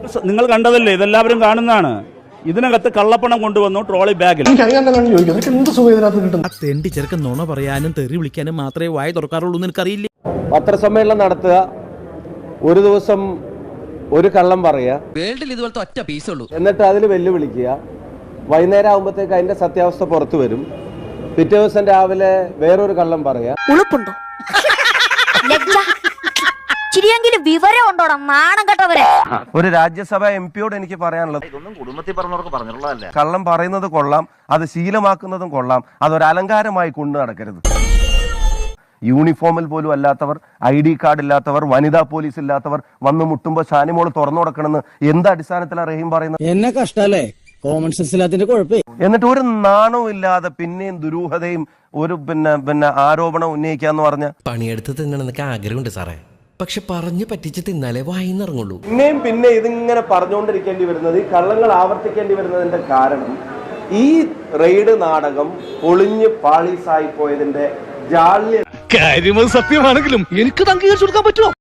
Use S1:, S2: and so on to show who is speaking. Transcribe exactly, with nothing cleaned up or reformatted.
S1: നിങ്ങൾ കണ്ടതല്ലേ, ഇതെല്ലാവരും കാണുന്നതാണ്. ഇതിനകത്ത് കള്ളപ്പണം കൊണ്ടുവന്നു ട്രോളി ബാഗിൽ.
S2: തെണ്ടി ചെറുക്കൻ നുണ പറയാനും തെറി വിളിക്കാനും മാത്രമേ വായ തുറക്കാറുള്ളൂ എന്ന് എനിക്കറിയില്ല.
S3: പത്രസമ്മേളനം നടത്തുക, ഒരു ദിവസം ഒരു കള്ളം പറയുക,
S4: വേൾഡിൽ ഇതുപോലത്തെ ഒറ്റ പീസേ ഉള്ളൂ,
S3: എന്നിട്ട് അതിൽ വെല്ലുവിളിക്കുക. വൈകുന്നേരം ആകുമ്പോഴത്തേക്ക് അതിന്റെ സത്യാവസ്ഥ പുറത്തു വരും. പിറ്റേ ദിവസം രാവിലെ വേറൊരു കള്ളം പറയാ.
S5: ഉളുപ്പുണ്ടോ? ചിരിയെങ്കിലും വിവരം ഉണ്ടോടാ നാണം കെട്ടവരെ.
S3: ഒരു രാജ്യസഭ എം പിയോട് എനിക്ക് പറയാനുള്ളത്,
S6: കുടുംബത്തിൽ പറഞ്ഞവർക്ക് പറഞ്ഞുള്ളതല്ല.
S3: കള്ളം പറയുന്നത് കൊള്ളാം, അത് ശീലമാക്കുന്നതും കൊള്ളാം, അതൊരു അലങ്കാരമായി കൊണ്ടു നടക്കരുത്. യൂണിഫോമിൽ പോലും അല്ലാത്തവർ, ഐ ഡി കാർഡ് ഇല്ലാത്തവർ, വനിതാ പോലീസ് ഇല്ലാത്തവർ വന്ന് മുട്ടുമ്പോൾ ഷാനിമോൾ തുറന്നു കൊടുക്കണമെന്ന് എന്ത് അടിസ്ഥാനത്തിലാണ് റഹീം പറയുന്നത്?
S2: എന്നെ കഷ്ടല്ലേ, കോമൺ സെൻസ് ഇല്ലാത്തതിന്റെ കുഴപ്പേ.
S3: എന്നിട്ട് ഒരു നാണവും ഇല്ലാതെ പിന്നെയും ദുരൂഹതയും ഒരു പിന്നെ പിന്നെ ആരോപണം ഉന്നയിക്കാന്ന് പറഞ്ഞ
S4: പണിയെടുത്ത് തിന്നണമെന്നൊക്കെ ആഗ്രഹമുണ്ട് സാറേ, പക്ഷെ പറഞ്ഞു പറ്റിച്ച് തിന്നാലേ വായിന്നിറങ്ങുള്ളൂ.
S3: പിന്നെയും പിന്നെ ഇതിങ്ങനെ പറഞ്ഞുകൊണ്ടിരിക്കേണ്ടി വരുന്നത്, ഈ കള്ളങ്ങൾ ആവർത്തിക്കേണ്ടി വരുന്നതിന്റെ കാരണം ഈ റെയ്ഡ് നാടകം പൊളിഞ്ഞ് പാളീസായി പോയതിന്റെ ജാള്യം.
S2: കാര്യം സത്യമാണെങ്കിലും എനിക്ക് അംഗീകരിച്ചു കൊടുക്കാൻ പറ്റുമോ?